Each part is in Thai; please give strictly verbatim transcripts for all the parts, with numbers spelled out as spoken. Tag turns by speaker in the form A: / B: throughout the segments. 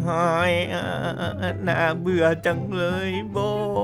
A: เฮ้ยน่าเบื่อจังเลยโบ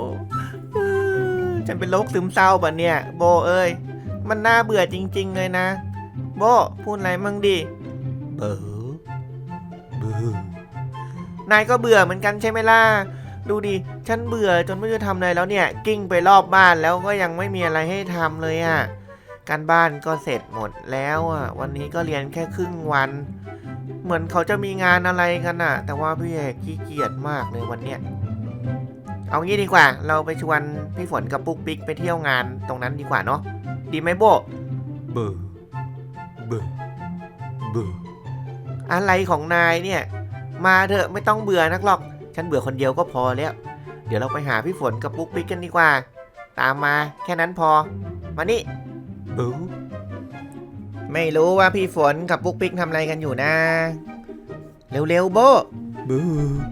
A: ฉันเป็นโรคซึมเศร้าป่ะเนี่ยโบเอ้ยมันน่าเบื่อจริงๆเลยนะโบพูดอะไรมั่งดิเบื่อเบื่อนายก็เบื่อเหมือนกันใช่ไหมล่ะดูดิฉันเบื่อจนไม่รู้จะทำอะไรแล้วเนี่ยกิ้งไปรอบบ้านแล้วก็ยังไม่มีอะไรให้ทำเลยอ่ะการบ้านก็เสร็จหมดแล้วอ่ะวันนี้ก็เรียนแค่ครึ่งวันเหมือนเขาจะมีงานอะไรกันอ่ะแต่ว่าพี่เอกขี้เกียจมากเลยวันเนี้ยเอางี้ดีกว่าเราไปชวนพี่ฝนกับปุ๊กปิ๊กไปเที่ยวงานตรงนั้นดีกว่าเนาะดีไหมโบเบื่อเบื่อเบื่ออะไรของนายเนี่ยมาเถอะไม่ต้องเบื่อนักหรอกฉันเบื่อคนเดียวก็พอแล้วเดี๋ยวเราไปหาพี่ฝนกับปุ๊กปิ๊กกันดีกว่าตามมาแค่นั้นพอมานี่บูไม่รู้ว่าพี่ฝนกับปุ๊กปิ๊กทำอะไรกันอยู่นะเร็วๆโบบู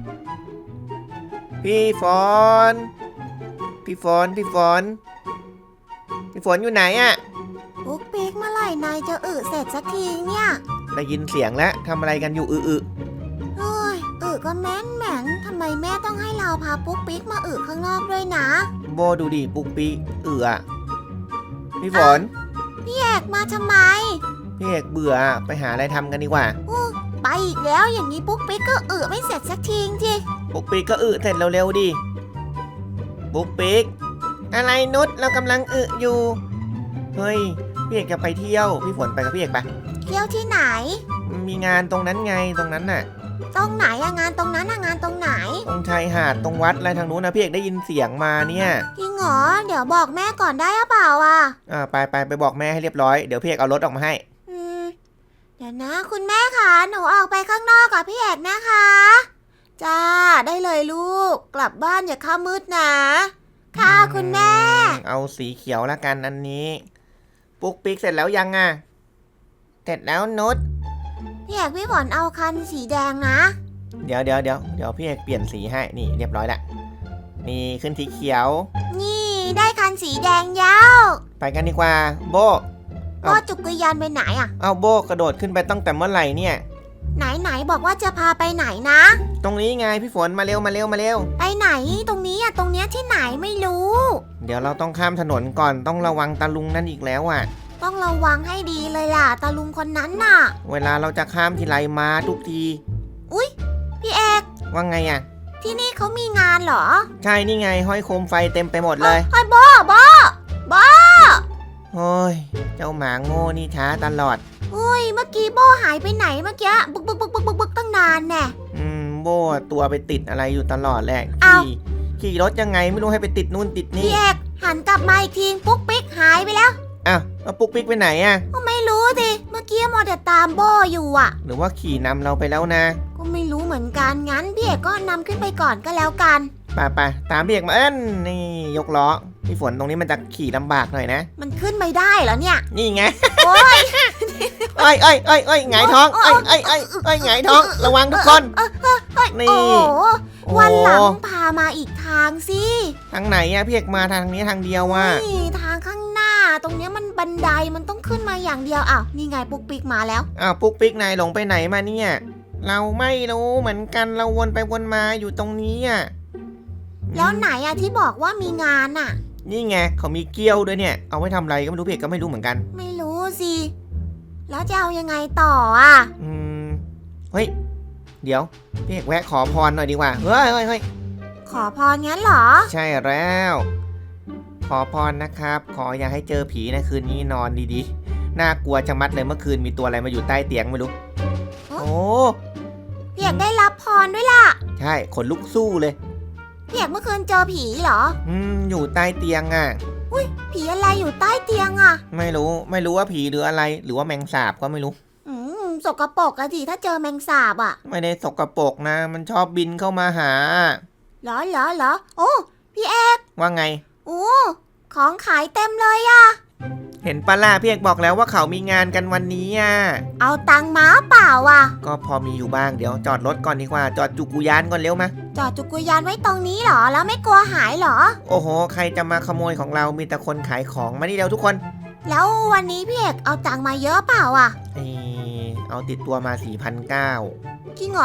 A: พี่ฝนพี่ฝนพี่ฝนพี่ฝนอยู่ไหนอะ
B: ปุ๊กปิ๊กเมื่อไหร่นายจะอึเสร็จสักทีเนี่ย
A: ได้ยินเสียงแล้วทำอะไรกันอยู่อึอึ
B: เฮ้ยอึก็แม่นแหม่งทำไมแม่ต้องให้เราพาปุ๊กปิ๊กมาอึข้างนอกด้วยนะ
A: โบดูดิปุ๊กปิ๊กอึอะพี่ฝน
B: พี่เอกมาทำไม
A: พี่เอกเบื่อไปหาอะไรทำกันดีกว่า
B: ไปอีกแล้วอย่างนี้ปุ๊กปิ๊กก็อึไม่เสร็จสักทีที
A: ปุ๊กปิ๊กก็อึเสร็จเร็วๆดิปุ๊กปิ๊กอะไรนุชเรากำลังอึอยู่เฮ้ยพี่เอกจะไปเที่ยวพี่ฝนไปกับพี่เอกปะ
B: เที่ยวที่ไหน
A: มีงานตรงนั้นไงตรงนั้นน่ะ
B: ตรงไหนอะงานตรงนั้นอะงานตรงไหน
A: ตรงชายหาดตรงวัดอะไรทางนู้นนะพี่เอกได้ยินเสียงมาเนี่ย
B: จริงเหรอเดี๋ยวบอกแม่ก่อนได้หรือเปล่าอะ
A: อ่าไปไปไปบอกแม่ให้เรียบร้อยเดี๋ยวพี่เอกเอารถออกมาให้
B: อืมเดี๋ยวนะคุณแม่คะหนูออกไปข้างนอกกับพี่เอกนะคะจ้าได้เลยลูกกลับบ้านอย่าข้ามมืดนะค่ะคุณแม่
A: เอาสีเขียวละกันอันนี้ปุ๊กปิ๊กเสร็จแล้วยังอ่ะเสร็จแล้วนุช
B: พี่เอกพี่ฝนเอาคันสีแดงนะ
A: เดี๋ยวเดี๋ยวเดี๋ยวเดี๋ยวพี่เอกเปลี่ยนสีให้นี่เรียบร้อยละนี่ขึ้นสีเขียว
B: นี่ได้คันสีแดงยาว
A: ไปกันดีกว่าโบ
B: โบจุกรยานไปไหนอ่ะ
A: เอาโบกระโดดขึ้นไปตั้งแต่เมื่อไหร่เนี่ย
B: ไหนไหนบอกว่าจะพาไปไหนนะ
A: ตรงนี้ไงพี่ฝนมาเร็วมาเร็วมาเร็ว
B: ไปไหนตรงนี้อ่ะตรงเนี้ยที่ไหนไม่รู้
A: เดี๋ยวเราต้องข้ามถนนก่อนต้องระวังตาลุงนั่นอีกแล้วอ่ะ
B: ต้องระวังให้ดีเลยล่ะตาลุงคนนั้นน่ะ
A: เวลาเราจะข้ามทีไรมาทุกที
B: อุ๊ยพี่เอก
A: ว่าไงอ่ะ
B: ที่นี่เขามีงานเหรอ
A: ใช่นี่ไงห้อยโคมไฟเต็มไปหมดเลย
B: ไอ้บ้าบ้าบ้า
A: โอ้ยเจ้าหมาโง่นี่ช้าตลอด
B: อุ้ยเมื่อกี้โบหายไปไหนเมื่อกี้บึกบึกบึกบึกบึกบึกตั้งนานแน่
A: อืมโบตัวไปติดอะไรอยู่ตลอดแหละขี่ขี่รถยังไงไม่รู้ให้ไปติดนู่นติดนี่
B: พี่เอกหันกลับมาอีกทีปุ๊กปิ๊กหายไปแล้ว
A: อ้าวแล้วปุ๊กปิ๊กไปไหนอ่ะ
B: ก็ไม่รู้สิเมื่อกี้มัวแต่ตามโบอยู่อ่ะ
A: หรือว่าขี่นำเราไปแล้วนะ
B: ก็ไม่รู้เหมือนกันงั้นพี่เอกก็นำขึ้นไปก่อนก็แล้วกัน
A: ไปไปตามพี่เอกมาเอ้นนี่ยกล้อพี่ฝนตรงนี้มันจะขี่ลำบากหน่อยนะ
B: มันขึ้นไม่ได้เหรอเนี่ย
A: นี่ไง
B: โอ้ย
A: เอ้ยเอ้ยเอ้ยเอ้ยหงายท้องเอ้ยเอ้ยเอ้ยเอ้ยหงายท้องระวังทุกคน
B: นี่วันหลังพามาอีกทางสิ
A: ทางไหนอะพี่เอกมาทางนี้ทางเดียวว่ะ
B: นี่ทางข้างหน้าตรงนี้มันบันไดมันต้องขึ้นมาอย่างเดียวอ้าวนี่ไงปุ๊กปิ๊กมาแล้ว
A: อ้าวปุ๊กปิ๊กนายหลงไปไหนมาเนี่ยเราไม่รู้เหมือนกันเราวนไปวนมาอยู่ตรงนี้อะ
B: แล้วไหนอะที่บอกว่ามีงานอะ
A: นี่ไงเขามีเกี้ยวด้วยเนี่ยเอาไว้ทำอะไรก็ไม่รู้พี่เอกก็ไม่รู้เหมือนกัน
B: ไม่รู้สิแล้วจะเอายังไงต่ออ่ะ
A: อืมเฮ้ยเดี๋ยวพี่เอกแวะขอพรหน่อยดีกว่าเฮ้ยเฮ้ยเฮ้ย
B: ขอพรงั้นเหรอ
A: ใช่แล้วขอพรนะครับขออย่าให้เจอผีนะคืนนี้นอนดีๆน่ากลัวจะมัดเลยเมื่อคืนมีตัวอะไรมาอยู่ใต้เตียงไม่รู้โอ้
B: พี่เอกได้รับพรด้วยล่ะ
A: ใช่ขนลุกสู้เลย
B: พี่เอกเมื่อคืนเจอผีเหรอ
A: อืมอยู่ใต้เตียงอ่ะ
B: อุ้ยผีอะไรอยู่ใต้เตียงอ่ะ
A: ไม่รู้ไม่รู้ว่าผีหรืออะไรหรือว่าแมงสาบก็ไม่รู้
B: อืมสกปรกอะสิถ้าเจอแมงสาบอ่ะ
A: ไม่ได้สกปรกนะมันชอบบินเข้ามาหา
B: เหรอเหรอเหรอโอ้พี่เอก
A: ว่าไง
B: โอ้ของขายเต็มเลยอ่ะ
A: เห็นปะล่ะพี่เอกบอกแล้วว่าเขามีงานกันวันนี้อ่ะ
B: เอาตังค์มาเปล่าอ่ะ
A: ก็พอมีอยู่บ้างเดี๋ยวจอดรถก่อนดีกว่าจอดจุกุยานก่อนเร็วมา
B: จอดจุกุยานไว้ตรงนี้เหรอแล้วไม่กลัวหายเหรอ
A: โอ้โหใครจะมาขโมยของเรามีแต่คนขายของมานี่เร็วทุกคน
B: แล้ววันนี้พี่เอกเอาตังค์มาเยอะเปล่าอ่ะ
A: เออเอาติดตัวมา สี่พันเก้าร้อย
B: จริงเหรอ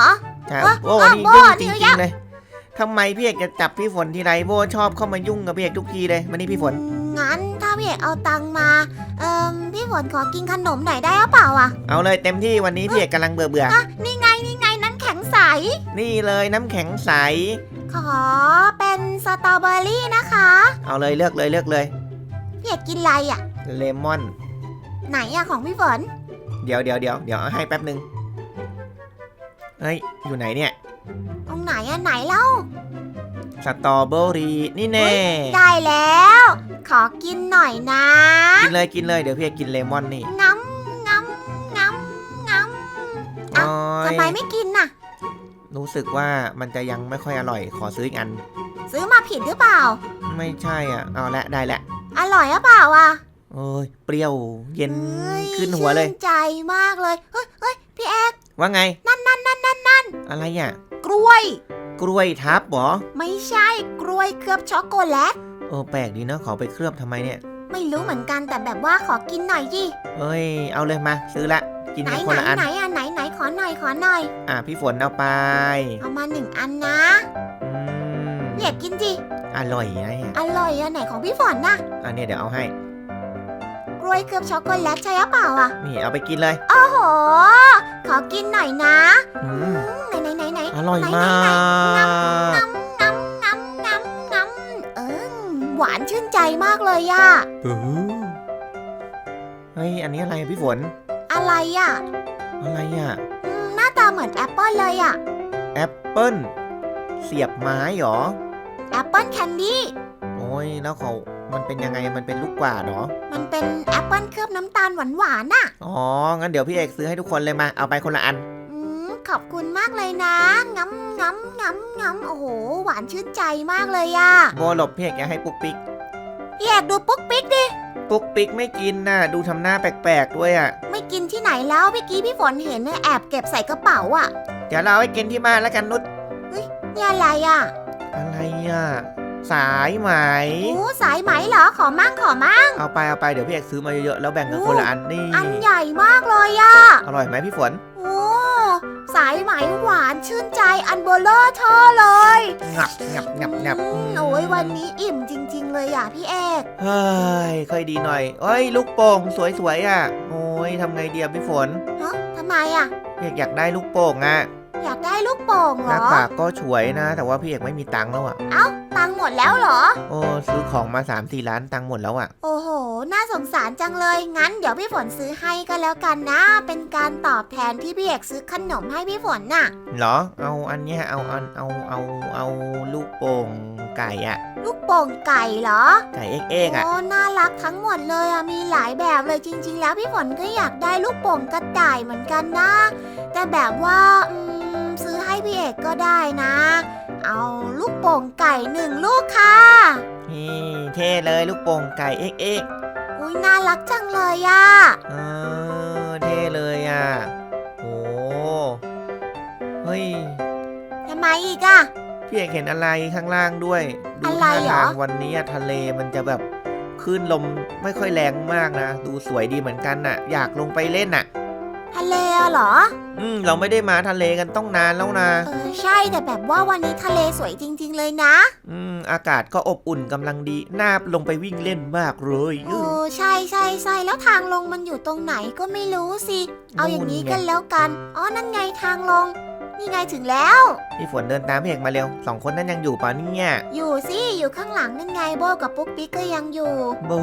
A: ใช่
B: เอ้ย
A: โอ้
B: เอ้ย
A: นี่
B: โบ
A: ยุ่งจ
B: เดี๋ยว
A: ริงๆเลยทำไมพี่เอกจะจับพี่ฝนทีไรโบชอบเข้ามายุ่งกับพี่เอกทุกทีเลยมานี่พี่ฝน
B: งั้นถ้าพี่เอกเอาตังค์มาเอ่มพี่ฝนขอกินขนมหน่อยได้หรือเปล่าอ่ะ
A: เอาเลยเต็มที่วันนี้พี่เอกกำลังเบื่อเบื่อ
B: อ่ะนี่ไงนี่ไงน้ำแข็งใส
A: นี่เลยน้ำแข็งใส
B: ขอเป็นสตรอเบอรี่นะคะ
A: เอาเลยเลือกเลยเลือกเลย
B: พี่เอกกินอะไรอ่ะ
A: เลมอน
B: ไหนอะของพี่ฝน
A: เดี๋ยวเดี๋ยวเดี๋ยวเดี๋ยวเอาให้แป๊บหนึ่งเฮ้ยอยู่ไหนเนี่ย
B: ตรงไหนอะไหนเล่า
A: สตรอเบอรี่นี่แน่
B: ได้แล้ว ขอกินหน่อยนะ
A: กินเลยกินเลยเดี๋ยวพี่เอกกินเลมอนนี่
B: งำงำงำงำ
A: อ๋อ
B: ทำไมไม่กินน่ะ
A: รู้สึกว่ามันจะยังไม่ค่อยอร่อยขอซื้ออีกอัน
B: ซื้อมาผิดหรือเปล่า
A: ไม่ใช่อ่ะเอาละได้ละ
B: อร่อยหรือเปล่าอ่ะ
A: โอ้ยเปรี้ยวเย็น
B: เฮ้ย
A: ขึ้นหัวเลย
B: ชื่นใจมากเลย เฮ้ยเฮ้ยพี่เอก
A: ว่าไง
B: นั่นนั่นนั่นนั่นนั่น
A: อะไรอ่ะ
B: กล้วย
A: กล้วยทับเหรอ
B: ไม่ใช่กล้วยเคลือบช็อกโกแลต
A: เออแปลกดีเนาะขอไปเคลือบทำไมเนี่ย
B: ไม่รู้เหมือนกันแต่แบบว่าขอกินหน่อยดิ
A: เอ้ยเอาเลยมาซื้อละกิน
B: ไหน
A: กันค
B: ไหน
A: นละอัน
B: ไหนอ่ะไหนไหนขอหน่อยขอหน่อย
A: อ่ะพี่ฝนเอาไป
B: เอามาหนึ่งอันนะ
A: อืม
B: พี่เอกกินดิ
A: อร่อยนะเนี่ย
B: อร่อยอ่ะไหนของพี่ฝนน่ะ
A: อันนี้เดี๋ยวเอาให้
B: กล้วยเคลือบช็อกโกแลตใช่หรือเปล่าอ่ะ
A: นี่เอาไปกินเลย
B: โอ้โห ขอกินหน่อยนะ
A: อื
B: อื
A: ม
B: มไหนไหนไหนไหน
A: อร่อย
B: ไหน
A: มา
B: ไหนไหน
A: ก
B: งำงำงำงำงำเออหวานชื่นใจมากเลยอะ
A: เออเฮ้ยอันนี้อะไรอะพี่ฝน
B: อะไรอะ
A: อะไรอ่ะ
B: อืมหน้าตาเหมือนแอปเปิลเลยอะ
A: แอปเปิ้ลเสียบไม้เหรอ
B: แอปเปิลแคนดี้
A: โอ้ยแล้วเขามันเป็นยังไงมันเป็นลูกกวาดเหรอ
B: มันเป็นแอปเปิลเคลือบน้ำตาลหวานหวานๆน่ะ
A: อ๋องั้นเดี๋ยวพี่เอกซื้อให้ทุกคนเลยมาเอาไปคนละอัน
B: อืมขอบคุณมากเลยนะงำงำงำงำโอ้โห หวานชื่นใจมากเลยอะ
A: โบหลบพี่เอกอย่าให้ปุ๊กปิ๊ก
B: พี่เอกดูปุ๊กปิ๊กดิ
A: ปุ๊กปิ๊กไม่กินน่ะดูทำหน้าแปลกๆด้วยอ่ะ
B: ไม่กินที่ไหนแล้วเมื่อกี้พี่ฝนเห็นเนี่ยแอบเก็บใส่กระเป๋าอะ
A: เดี๋ยวเราเอาไปกินที่บ้านแล้วกันนุช
B: นี่อะไรอะ
A: อะไรอ่ะสายไหม
B: โอ้สายไหมเหรอขอมั่งขอมั่ง
A: เอาไปเอาไปเดี๋ยวพี่เอกซื้อมาเยอะๆแล้วแบ่งกันคนละอันนี่
B: อันใหญ่มากเลยอะ
A: อร่อยไหมพี่ฝน
B: โอ้สายไหมหวานชื่นใจอันเบลเลอร์เธอเลย
A: งับงับงับงับ
B: อืมโอ้ยวันนี้อิ่มจริง ๆ เลยอ่ะพี่เอก
A: เฮ้ยค่อยดีหน่อยเอ้ยลูกโป่งสวยๆอ่ะโอ้ยทำไงเดียพี่ฝน
B: ฮะทำไมอ่ะ
A: พี่เอกอยากได้ลูกโป่งอ่ะ
B: อยากได้ลูกโป่ง
A: ห
B: เหร
A: น้า
B: อ
A: ปากก็ฉวยนะ แต่ว่าพี่เอกไม่มีตังค์แล้วอ่ะ
B: เอ้าตังค์หมดแล้วเหรอ
A: โอ้ซื้อของมาสามสี่ล้านตังค์หมดแล้วอ่ะ
B: โอ้โห น่าสงสารจังเลย งั้นเดี๋ยวพี่ฝนซื้อให้ก็แล้วกันนะ เป็นการตอบแทนที่พี่เอกซื้อขนมให้พี่ฝนน่ะ
A: เหรอเอาอันเนี้ยเอาเอาเอาเอาเอาลูกโป่งไก่อ่ะ
B: ลูกโป่งไก่เหรอ
A: ไก่เอ็กเอ็กอ่ะ
B: โอ้ น่ารักทั้งหมดเลยอ่ะ มีหลายแบบเลยจริง ๆ แล้วพี่ฝนก็อยากได้ลูกโป่งกระต่ายเหมือนกันนะ แต่แบบว่าอืมซื้อให้พี่เอกก็ได้นะ เอาลูกโป่งไก่หนึ่งลูกค่ะ
A: นี่เท่เลยลูกโป่งไก่เอ็กเอ็ก
B: อุ้ยน่ารักจังเลยอ่ะ
A: เออเท่เลยอ่ะโอ้เฮ้ย
B: ทำไมอีกอ่ะ
A: พี่เอกเห็นอะไรข้างล่างด้วยดู
B: อะไร
A: ท่า
B: เหรอ
A: ทางวันนี้อะทะเลมันจะแบบคลื่นลมไม่ค่อยแรงมากนะ ดูสวยดีเหมือนกันน่ะ อยากลงไปเล่นน่ะ
B: ทะเลอะเหรอ
A: อืมเราไม่ได้มาทะเลกันต้องนานแล้วนะ
B: เออใช่แต่แบบว่าวันนี้ทะเลสวยจริง ๆ เลยนะ
A: อืมอากาศก็อบอุ่นกำลังดีน่าลงไปวิ่งเล่นมากเลย
B: โอ้ใช่ใช่ใช่แล้วทางลงมันอยู่ตรงไหนก็ไม่รู้สิ เอาอย่างนี้กันแล้วกัน อ๋อ นั่นไงทางลง นี่ไงถึงแล้ว
A: พี่ฝนเดินตามพี่เอกมาเร็วสองคนนั้นยังอยู่ป่ะเนี่ย
B: อยู่สิอยู่ข้างหลังนั่นไงโบกับปุ๊กปิ๊กก็ยังอยู่
A: บู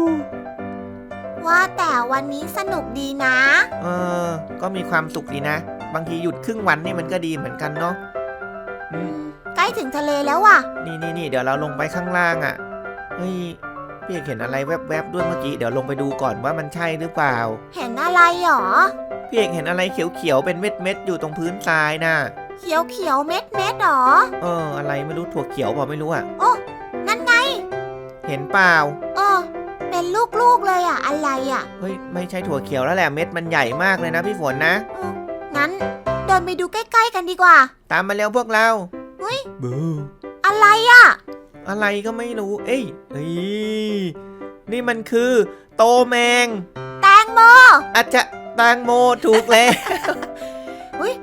B: ว่าแต่วันนี้สนุกดีนะ
A: เออก็มีความสุขดีนะ บางทีหยุดครึ่งวันนี่มันก็ดีเหมือนกันเนาะอืม
B: ใกล้ถึงทะเลแล้วว่ะ
A: นี่นี่นี่เดี๋ยวเราลงไปข้างล่างอ่ะเฮ้ยพี่เอกเห็นอะไรแวบๆด้วยเมื่อกี้เดี๋ยวลงไปดูก่อนว่ามันใช่หรือเปล่า
B: เห็นอะไรหรอ
A: พี่เอกเห็นอะไรเขียวๆเป็นเม็ดๆอยู่ตรงพื้นทรายน่ะ
B: เขียวเขียวเม็ดเม็ดหรอ
A: เอออะไรไม่รู้ถั่วเขียวเปล่าไม่รู้อ่ะ
B: โอ้นั่นไง
A: เห็นเปล่า
B: เออเป็นลูกๆเลยอ่ะอะไรอ่ะ
A: เฮ้ยไม่ใช่ถั่วเขียวแล้วแหละเม็ดมันใหญ่มากเลยนะพี่ฝนนะ
B: เอองั้นเดินไปดูใกล้ๆกันดีกว่า
A: ตามมาเร็วพวกเรา
B: เฮ้ย
A: บู
B: อะไรอ่ะ
A: อะไรก็ไม่รู้เอ้ยเฮ้ยนี่มันคือโตแมง
B: แตงโม
A: อาจจะแตงโมถูกแล้ว
B: แต่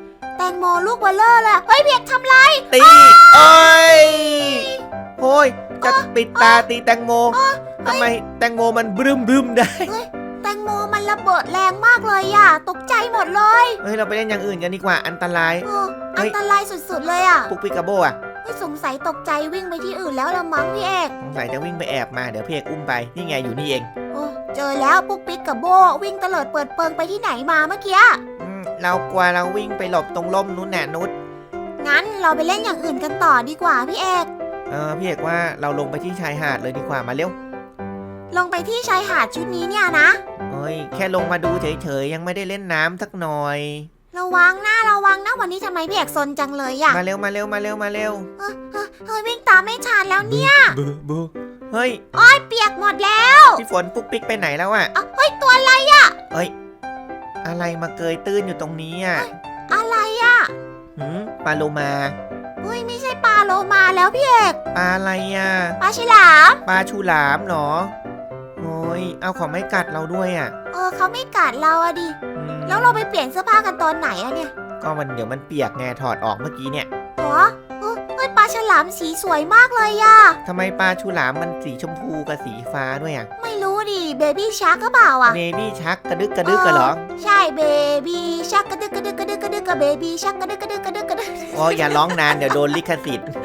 B: งโมลูกเบลเลอร์เลยเฮ้ยพี่เอกทำไร
A: ตีโอ้ยโอ้ยจะปิดตาตีแตงโมทำไมแตงโมมันบึ้มบึ้มได้
B: แตงโมมันระเบิดแรงมากเลยอะตกใจหมดเลย
A: เฮ้ยเราไปเล่นอย่างอื่นกันดีกว่าอันตราย
B: เอออันตรายสุดๆเลยอะ
A: ปุ๊กปิกาโบอะ
B: เฮ้ยสงสัยตกใจวิ่งไปที่อื่นแล้วละมั้งพี่เอก
A: สงสัยจะวิ่งไปแอบมาเดี๋ยวพี่เอกอุ้มไปนี่ไงอยู่นี่เอง
B: โอ้เจอแล้วปุ๊กปิ๊กกับโบวิ่งเตลิดเปิดเปิงไปที่ไหนมาเมื่อกี้
A: อืมเรากลัวเราวิ่งไปหลบตรงร่มนู้นน่ะนุช
B: งั้นเราไปเล่นอย่างอื่นกันต่อดีกว่าพี่เอก
A: เออพี่เอกว่าเราลงไปที่ชายหาดเลยดีกว่ามาเร็ว
B: ลงไปที่ชายหาดชุดนี้เนี่ยนะ
A: เฮ้ยแค่ลงมาดูเฉยๆยังไม่ได้เล่นน้ำสักหน่อย
B: ระวังนะระวังนะวันนี้ทำไมพี่เอกซนจังเลยอะ
A: มาเร็วมาเร็วมาเร็วมาเร็ว
B: เฮ้ยเฮ้ยเฮ้ยวิ่งตามไม่ทันแล้วเนี่ย
A: บูบูเฮ้ย
B: เปียกหมดแล้ว
A: พี่ฝนปุ๊กปิ๊กไปไหนแล้วอะ
B: อ่ะเฮ้ยตัวอะไร
A: เฮ้ยอะไรมาเกยตื้นอยู่ตรงนี้อะ
B: อะไรอะ
A: หืมปลาโลมา
B: เฮ้ยไม่ใช่ปลาโลมาแล้วพี่เอก
A: ปลาอะไรอะ
B: ปลาฉลาม
A: ปลาฉลามเหรอโอ้ยเอาของไม่กัดเราด้วยอะ
B: เออเขาไม่กัดเราอะดิ
A: อืม
B: แล้วเราไปเปลี่ยนเสื้อผ้ากันตอนไหนอะเนี่ย
A: ก็มันเดี๋ยวมันเปียกไงถอดออกเมื่อกี้เนี่ย
B: หรอเออเฮ้ยปลาฉลามสีสวยมากเลยอะ
A: ทำไมปลาฉลามมันสีชมพูกับสีฟ้าด้วยอะ
B: ไม่รู้ดิเบบี้ชาร์กก็เปล่าอะ
A: เบบี้ชักกระดึกกระดึกกันเหรอ
B: ใช่เบบี้ชักกระดึกกระดึกกระดึกกระดึกกับเบบี้ชักกระดึกกระดึกกระดึกกระดึก
A: โอ้ยอย่าร้องนานเดี๋ยวโดนลิขสิทธิ์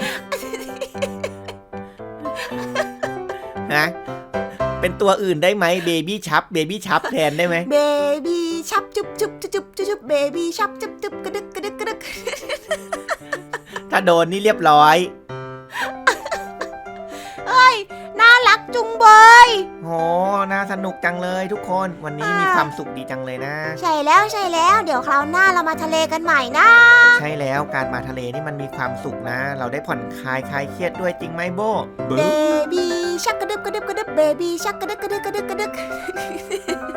A: นะเป็นตัวอื่นได้ไหมเบบี้ชับเบบี้ชับแทนได้ไหม
B: เบบี้ชับจุบจุบจุบจุบจุบเบบี้ชับจุบจุบกระดึกกระดึกกระดึก
A: ถ้าโดนนี่เรียบร้อย
B: เฮ้ยน่ารักจุงเบย
A: โหน่าสนุกจังเลยทุกคนวันนี้มีความสุขดีจังเลยนะ
B: ใช่แล้วใช่แล้วเดี๋ยวคราวหน้าเรามาทะเลกันใหม่นะ
A: ใช่แล้วการมาทะเลนี่มันมีความสุขนะ เราได้ผ่อนคลายคลายเครียดด้วยจริงไหมโบ
B: เบบี้ชักกระดึบกระดึบกระดึบเบบี้ชักกระดึบกระดึบกระดึบกระดึบ